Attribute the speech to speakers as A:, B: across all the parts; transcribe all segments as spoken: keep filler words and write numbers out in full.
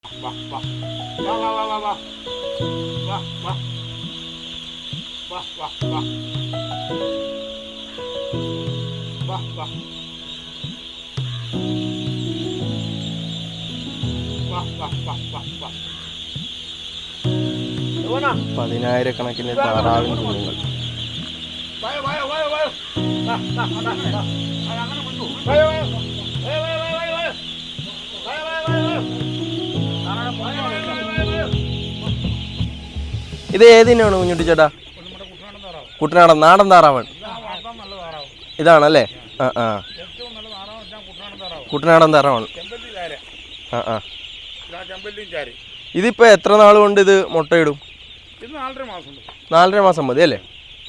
A: വാ വാ വാ വാ വാ വാ വാ വാ വാ വാ വാ വാ വാ വാ വാ വാ വാ വാ വാ
B: പതിനായിരക്കണക്കിന് താറാവിൻ കുഞ്ഞുങ്ങൾ.
A: വായോ വായോ വായോ വായോ വാ വാ വാ വാ അങ്ങനെ കൊണ്ടു വായോ വായോ വായോ വായോ വായോ വായോ വായോ വായോ വായോ താറാവ് വായോ വായോ വായോ
B: ഇത് ഏതിനാണ് കുഞ്ഞുട്ടി ചേട്ടാ?
A: നമ്മുടെ കുട്ടനാടൻ താറാവ്.
B: കുട്ടനാടൻ നാടൻ താറാവാണ്.
A: ഇതാണ് വളർത്താൻ നല്ല താറാവ്.
B: ഇതാണല്ലേ? ആ ആ
A: ഏറ്റവും നല്ല താറാവ് വെച്ചാൽ കുട്ടനാടൻ താറാവ്.
B: കുട്ടനാടൻ താറാവാണ്.
A: ചെമ്പല്ലി ചാര.
B: ആ ആ
A: ഇതാ ചെമ്പല്ലിയും ചാരി.
B: ഇതിപ്പോൾ എത്ര നാൾ കൊണ്ട് ഇത് മുട്ടയിടും?
A: ഇത് നാലര മാസം ഉണ്ട്.
B: നാലര മാസം മതി അല്ലേ?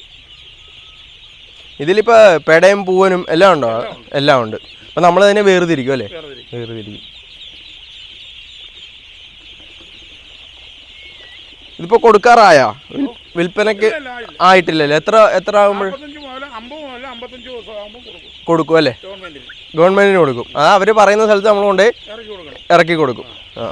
B: ഇതിലിപ്പോൾ പെടയും പൂവനും എല്ലാം ഉണ്ടോ? എല്ലാം ഉണ്ട്. അപ്പം നമ്മൾ അതിനെ വേർതിരിക്കും അല്ലേ?
A: വേർതിരിക്കും.
B: വേർതിരിക്കും. ഇതിപ്പോൾ കൊടുക്കാറായാ? വിൽപ്പനക്ക്
A: ഇല്ല, ഇല്ല.
B: ആയിട്ടില്ലല്ലേ? എത്ര എത്ര ആകുമ്പോൾ
A: നാൽപ്പത്തഞ്ച് മുതൽ അമ്പത് മുതൽ അമ്പത്തഞ്ച് ദിവസം ആകുമ്പോൾ കൊടുക്കും
B: കൊടുക്കും അല്ലേ?
A: ഗവൺമെന്റിന്.
B: ഗവൺമെന്റിന് കൊടുക്കും. ആ അവർ പറയുന്ന സ്ഥലത്ത് നമ്മൾ കൊണ്ട്
A: ഇറക്കി കൊടുക്കണം.
B: ഇറക്കി കൊടുക്കും. ആ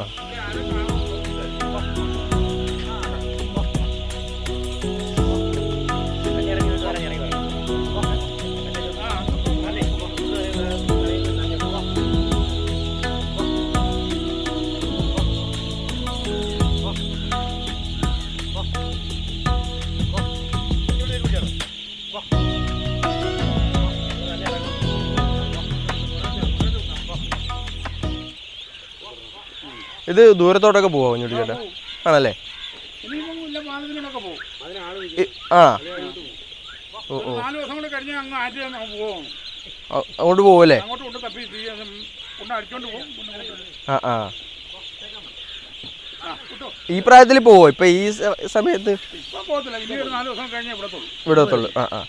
B: ഇത് ദൂരത്തോട്ടൊക്കെ പോവാ കുഞ്ഞുട്ടി ചേട്ടാ? ആണല്ലേ?
A: ഇനിയിപ്പം ഇല്ല പാലത്തിനൊക്കെ പോകും.
B: ഇ- ആ ഓ ഓ
A: നാല് ദിവസം കൂടെ കഴിഞ്ഞ് അങ്ങ് ആറ്റി പോകും.
B: അ- അങ്ങോട്ട് പോവല്ലേ?
A: അങ്ങോട്ട് കൊണ്ട് തപ്പി തീ കൊണ്ട് അടിച്ചോണ്ട് പോകും. കൊണ്ട് കൊണ്ട്
B: ആ ആ
A: ആ കിട്ടോ.
B: ഈ പ്രായത്തിൽ പോവോ ഇപ്പൊ ഈ സ- സമയത്ത്?
A: ഇപ്പം പോകത്തില്ല. ഇനി ഒരു നാല് ദിവസം കഴിഞ്ഞേ ഇവിടത്തുള്ളൂ.
B: വിടത്തുള്ളൂ. ആ ആ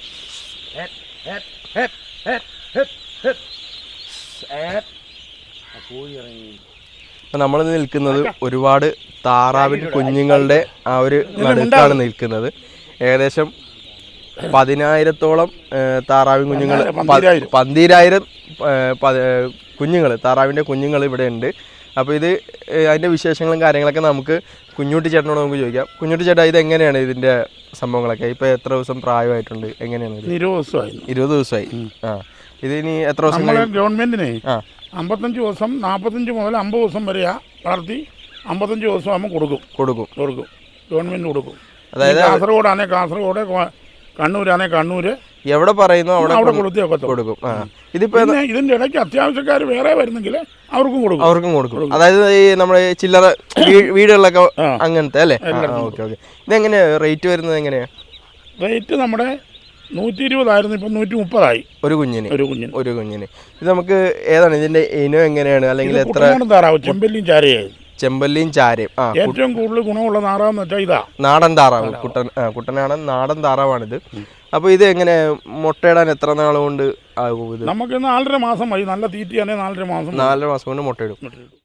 B: ഇപ്പൊ നമ്മൾ നിൽക്കുന്നത് ഒരുപാട് താറാവിൻ കുഞ്ഞുങ്ങളുടെ ആ ഒരു നടുക്കാണ് നിൽക്കുന്നത്. ഏകദേശം പതിനായിരത്തോളം താറാവിൻ കുഞ്ഞുങ്ങൾ,
A: പന്തീരായിരം.
B: പന്തീരായിരം കുഞ്ഞുങ്ങൾ, താറാവിൻ്റെ കുഞ്ഞുങ്ങൾ ഇവിടെ ഉണ്ട്. അപ്പോൾ ഇത് ഏഹ്, അതിൻ്റെ വിശേഷങ്ങളും കാര്യങ്ങളൊക്കെ നമുക്ക് കുഞ്ഞുട്ടി ചേട്ടനോട് നമുക്ക് ചോദിക്കാം. കുഞ്ഞുട്ടി ചേട്ടാ, ഇത് എങ്ങനെയാണ് ഇതിൻ്റെ സംഭവങ്ങളൊക്കെ? ഇപ്പോൾ എത്ര ദിവസം പ്രായമായിട്ടുണ്ട്? എങ്ങനെയാണ് ഇത്?
A: ഇരുപത് ദിവസമായി.
B: ഇരുപത് ദിവസമായി. ആ ഇത് ഇനി എത്ര ദിവസം
A: നമ്മളെ
B: കഴിയും?
A: ഗവൺമെന്റിനെ
B: ആ
A: അമ്പത്തഞ്ച് ദിവസം നാൽപ്പത്തഞ്ച് മുതൽ അമ്പത് ദിവസം വരെയാ വളർത്തി അമ്പത്തഞ്ച് ദിവസം ആകുമ്പോൾ കൊടുക്കും
B: കൊടുക്കും
A: കൊടുക്കും ഗവൺമെന്റ് കൊടുക്കും.
B: അതായത്
A: കാസർഗോഡാണെ കാസർഗോഡ്, കൊ- കണ്ണൂരാണെ കണ്ണൂര്,
B: എവിടെ പറയുന്നോ അവിടെ
A: അവിടെ
B: കൊണ്ട്
A: കൊടുത്തേക്കത്തുള്ളൂ.
B: കൊടുക്കും. ആ ഇതിപ്പോ
A: പിന്നെ ഇതിന്റെ ഇടയ്ക്ക് അത്യാവശ്യക്കാർ വേറെ വരുന്നെങ്കിൽ അവർക്കും കൊടുക്കും.
B: അവർക്കും കൊടുക്കും. അതായത് ഈ നമ്മുടെ ചില്ലറ വീ- വീടുകളിലൊക്കെ
A: ആ.
B: അങ്ങനത്തെ അല്ലേ? Okay okay. ഇതെങ്ങനെയാ റേറ്റ് വരുന്നത്? എങ്ങനെയാ
A: റേറ്റ് നമ്മുടെ നൂറ്റി ഇരുപതായിരുന്നു, ഇപ്പം നൂറ്റി മുപ്പതായി
B: ഒരു കുഞ്ഞിന്?
A: ഒരു കുഞ്ഞിന്.
B: ഒരു കുഞ്ഞിന്. ഇത് നമുക്ക് ഏതാണ് ഇതിന്റെ ഇനം എങ്ങനെയാണ്? അല്ലെങ്കിൽ എത്ര?
A: കുട്ടനാടൻ താറാവ്, ചെമ്പല്ലിയും ചാരയായി.
B: ചെമ്പല്ലിയും ചാരയും. ആ
A: ഏറ്റവും കൂടുതൽ ഗുണമുള്ള താറാവെന്ന് വെച്ചാൽ ഇതാ
B: നാടൻ താറാവ്. കുട്ടൻ ആ കുട്ടനാടൻ നാടൻ താറാവാണിത്. അപ്പോൾ ഇത് എങ്ങനെ മുട്ടയിടാൻ എത്ര നാൾ കൊണ്ട് ആകും ഇത്?
A: നമുക്ക് നാലര മാസം മതി. നല്ല തീറ്റയാണെങ്കിൽ നാലര മാസം
B: നാലര മാസം കൊണ്ട് മുട്ടയിടും.
A: മതി.